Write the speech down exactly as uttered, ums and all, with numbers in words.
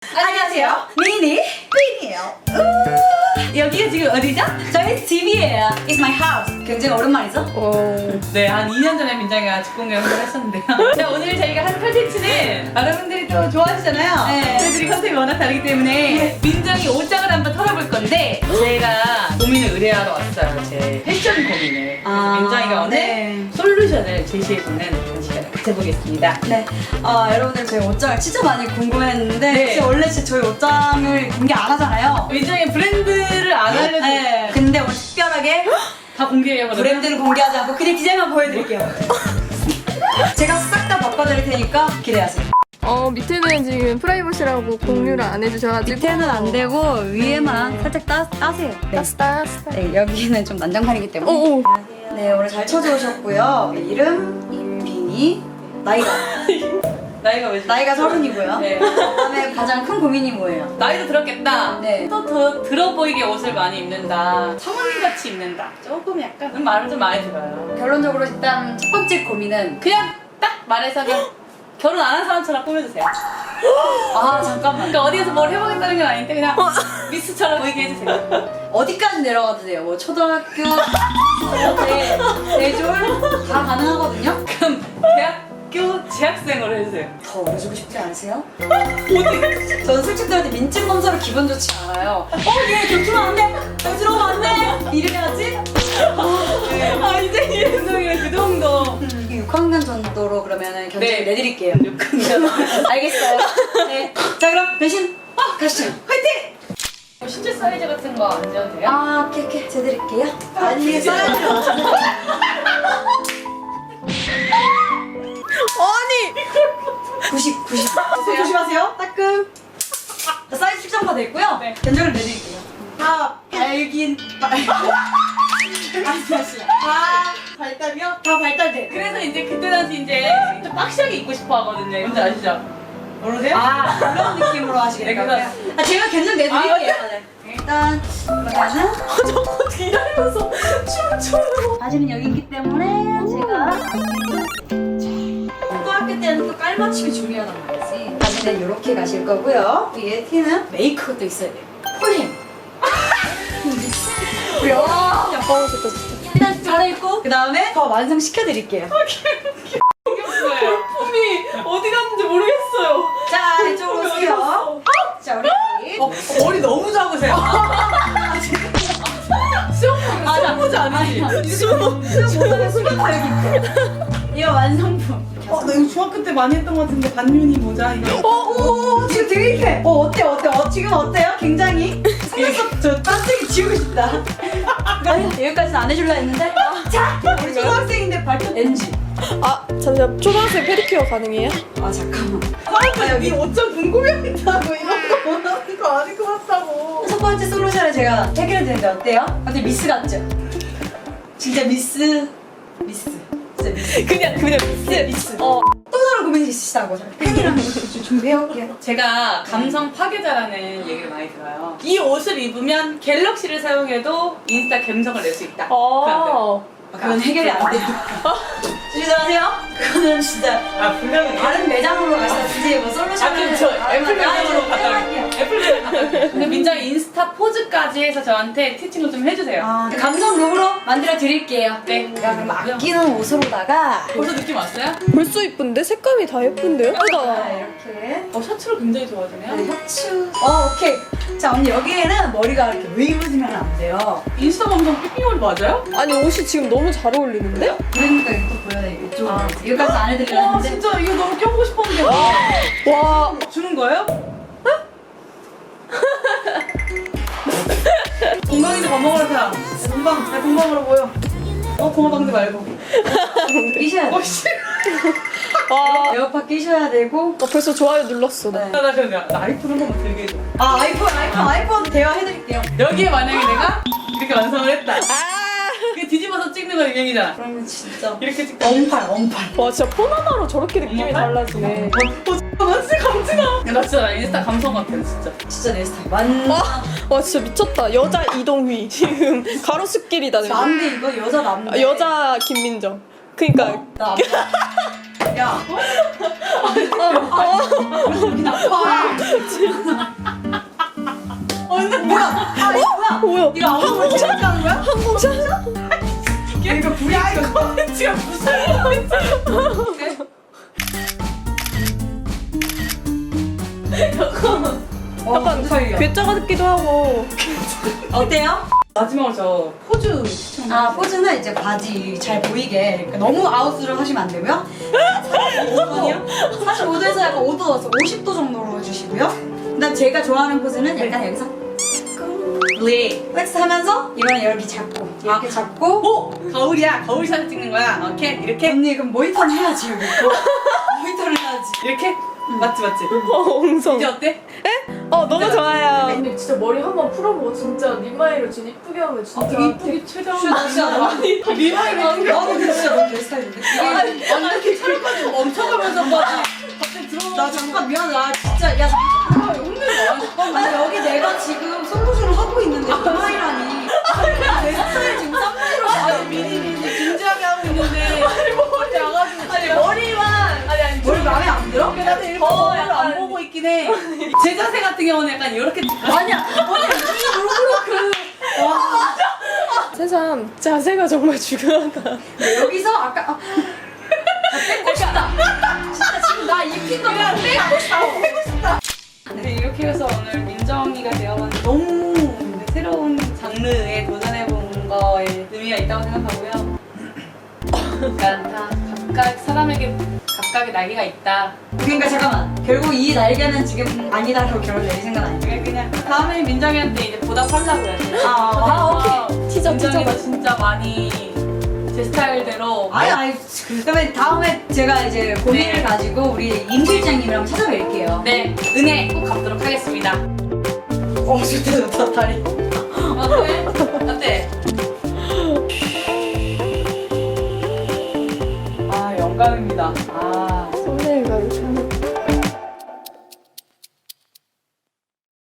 안녕하세요. 미니 삐이에요. 여기가 지금 어디죠? 저희 집이에요. It's my house. 굉장히 오랜만이죠? 오. 네, 한 이 년 전에 민정이가 집 공개를 했었는데요. 자, 오늘 저희가 한 컨텐츠는 여러분들이 또 좋아하시잖아요. 네. 저희들이 컨셉이 워낙 다르기 때문에 민정이 옷장을 한번 털어볼 건데 제가 고민을 의뢰하러 왔어요. 제 패션 고민을. 그래서 아, 민정이가 오늘 네. 솔루션을 제시해주는 그런 시간을 가져보겠습니다. 네. 어, 여러분들 저희 옷장을 진짜 많이 궁금해했는데 네. 진짜 원래 진짜 저희 옷장을 공개 안 하잖아요. 민정이 브랜드를 안 알려줘. 네. 근데 오늘 특별하게 다 공개해요, 그러면? 브랜드를 공개하지 않고 그냥 디자인만 보여드릴게요. 제가 싹 다 바꿔드릴 테니까 기대하세요. 어 밑에는 지금 프라이버시라고 공유를 안 해주셔가지고 밑에는 안 되고 위에만 살짝 따, 따세요. 네. 따스 따스. 네, 여기는 좀 난장판이기 때문에. 오오. 네, 오늘 잘 찾아오셨고요. 네, 이름 임빈이, 나이가 나이가 왜 나이가 서른이고요. 네. 그다음에 가장 큰 고민이 뭐예요? 나이도 들었겠다. 네. 또 더 들어 보이게 옷을 많이 입는다. 성은이같이 입는다. 조금 약간 말을 좀 많이 들어요. 결론적으로 일단 첫 번째 고민은 그냥 딱 말해서 그냥 결혼 안 한 사람처럼 꾸며주세요. 아 잠깐만 그러니까 어디에서 뭘 해보겠다는 건 아닌데 그냥 미스처럼 보이게 해주세요. 어디까지 내려가도 돼요. 뭐 초등학교, 네, 대졸 다 가능하거든요. 그럼 대학교 재학생으로 해주세요. 더 어려지고 싶지 않으세요? 어디? 저는 솔직들한테 민증 검사로 기분 좋지 않아요. 어, 얘 겹치면 안 돼. 여기 들어오면 안 돼. 이래야지. 아 이제 이은정이랑 그 정도. 육 학년 정도로 그러면은 견적을 네. 내드릴게요. 육 학년. 알겠어요. 네. 자 그럼 대신 어, 가시죠. 화이팅! 뭐 신체 사이즈 같은 거 안 재도 돼요? 아, 오케이 오케이. 재드릴게요. 아니, 사이즈를 어떻게 아니. 구십, 구십. 조심하세요. 따끔. 자, 사이즈 측정가 됐고요. 네. 견적을 내드릴게요. 다 발긴 발. 다시 다시. 다 발달이요? 다 발달돼. 그래서 이제 그때 당시 이제 좀 빡시하게 입고 싶어 하거든요. 뭔지 아시죠? 모르세요? 아, 그런 느낌으로 하시겠다. 네, 아, 제가 견적 내드릴게요. 아, 네. 일단 그러면은 자꾸 기다리면서 춤춰요. 바지는 여기 있기 때문에 제가 고등학교 때는 또 깔맞춤이 중요하단 말이지. 바지는 이렇게 가실 거고요. 위에 티는 메이크업도 있어야 돼요. 폴햄. 야. 야 좋다 좋다. 일단 잘해입고 그 다음에 더 완성시켜드릴게요. 생겼어요. 품이 어디 갔는지 모르겠어요. 자, 이쪽으로 오세요. 자, 우리 어, 머리 너무 작으세요. 수영 수영 모자 아니지? 수영 못하면 수영타 여기 있고. 이거 완성품. 어, 나 이거 중학교 때 많이 했던 것 같은데 반윤이 모자 이거. 어, 오, 지금 되게 힙해. 어, 어때, 어때? 어, 지금 어때요? 굉장히? 속눈썹 저 딴색이 지우고 싶다. 여기까지는 안 해줄라 했는데. 자, 우리 초등학생인데 발톱 엔지. 아 잠시만 초등학생 페디큐어 가능해요? 아, 잠깐만. 사람들이 여기 옷 좀 궁금해한다고 이런 거 원하는 거 아닌 것 같다고. 첫 번째 솔루션을 제가 해결해 드렸는데 어때요? 근데 미스 같죠? 진짜 미스. 미스. 진짜 미스. 그냥 그냥 진짜 미스. 어. 또 다른 고민이 있으시다고. 제가 펜이랑 좀 준비해올게요. 제가 감성 파괴자라는 얘기를 많이 들어요. 이 옷을 입으면 갤럭시를 사용해도 인스타 감성을 낼 수 있다. 어. 아, 그건 해결이 안 돼요. 주시하세요? 그거는 진짜 아 분명히 다른 매장으로 가시든지 뭐 솔루션을 아 그럼 저 애플 매장으로 갔다 할게요. 올게요. 애플 매장 갔다 올게요. 근데 민정이 인스타 포즈까지 해서 저한테 티칭을 좀 해주세요. 아, 감성 룩으로 만들어 드릴게요. 네. 제가 그럼 아끼는 옷으로다가 벌써 느낌 왔어요? 벌써 이쁜데 색감이 다 예쁜데 아, 예쁘다. 이렇게 어 셔츠를 굉장히 좋아하시네요. 네, 셔츠. 어, 오케이. 자, 언니 여기에는 머리가 이렇게 웨이브지면 안 돼요. 인스타 감성 삐삐머리 맞아요? 아니 옷이 지금 너무 잘 어울리는데? 그러니까 이거 보여요. 이쪽으로. 여기까지 안 해드리려 와 했는데. 진짜 이거 너무 껴보고 싶었는데 와. 주는 거예요? 건강이도 밥 먹으러 가. 건강, 내 건강으로 보여. 어 고마방대 말고. 끼셔야 돼요. 어씨. 와. 에어팟 끼셔야 되고. 어, 벌써 좋아요 눌렀어. 나. 네. 나 그럼 나, 나 아이폰 한 번만 들게 해줘. 아, 아이폰, 아이폰, 아이폰 대화해드릴게요. 여기에 만약에 내가 이렇게 완성을 했다. 아. 그 뒤집어서 찍는 거 유명이잖아. 그러면 진짜. 이렇게 찍다. 언팔, 언팔. 와 진짜 폰 하나로 저렇게 느낌이 정말? 달라지네. 어, 나 진짜 감지나. 야, 나 진짜 나 인스타 감성 같아, 진짜. 진짜 내 스타일. 완전. 와, 와 진짜 미쳤다. 여자 이동휘 지금 가로수길이다. 지금. 남대 이거 여자 남대. 아, 여자 김민정. 그니까 남자. 야. 여기 나빠. 어, 근데 뭐야? 아, 이거 뭐야? 뭐야? 이거 아무거나 재밌게 하는 거야? 항공샷? 이거 불이 야 이거 코멘트가 무슨 코멘트? 약간 괴짜 같기도 하고. 어때요? 마지막으로 저 포즈 추천. 아 포즈는 이제 바지 잘 보이게 그러니까 너무 아웃을 하시면 안 되고요. 사십오 도에서 약간 오 도, 오십 도 정도로 해주시고요. 그다음 제가 좋아하는 포즈는 약간 여기서 네. 플렉스 하면서 이거는 여기 잡고 이렇게 잡고 오! 거울이야. 거울샷 찍는 거야. 오케이. 이렇게. 언니 그럼 모니터는 해야지 여기 모니터를 해야지. 이렇게? 맞지 맞지? 어, 엉성. 이제 어때? 어, 너무 좋아요. 근데 진짜 머리 한번 풀어보고 진짜 립마이로 진짜 이쁘게 하면 진짜 이쁘게 최대한 진짜 많이 리마이를 나도 근데 진짜 너무 내 스타일인데 이게 아니 이렇게 촬영까지 멈춰가면서 막 갑자기 들어오고 나 잠깐 미안해 나 진짜 야 아, 혼내는 거 아니 여기 내가 지금 솔루션을 하고 있는데 리마이라니 내 스타일 지금 쌍둥이로 아니 미니 미니 진지하게 하고 있는데 아니 머리 와가지고 아니 머리만 아니 아니 머리 마음에 안 들어? 나도 이렇게 더 머리를 약간- 안 보고 있긴 해. 제 자세 같은 경우는 약간 이렇게 아니야 머리 새삼 자세가 정말 중요하다. 여기서 아까 아, 나 뺏고 싶다 진짜 지금 나 입힌 거 그냥 뺏고 싶다 뺏고 싶다 네, 이렇게 해서 오늘 민정이가 되어봤는데 너무 새로운 장르에 도전해본 거에 의미가 있다고 생각하고요. 그러니까 다 각각 사람에게 각각의 날개가 있다. 그러니까 잠깐만 결국 이 날개는 지금 아니다라고 결론 내릴 생각 아니야? 그냥 그냥 다음에 민정이한테 이제 보답하려고 해야지. 아, 아, 오케이. 티저, 민정이도 티저다. 진짜 많이 제 스타일대로 아니 아니 그러면 다음에 제가 이제 고민을 네. 가지고 우리 임 실장님이랑 찾아뵐게요. 네 은혜 꼭 갚도록 하겠습니다. 어 좋다 좋다 다리. 어때? 어때? 아 영광입니다. 아 썸네일 가루.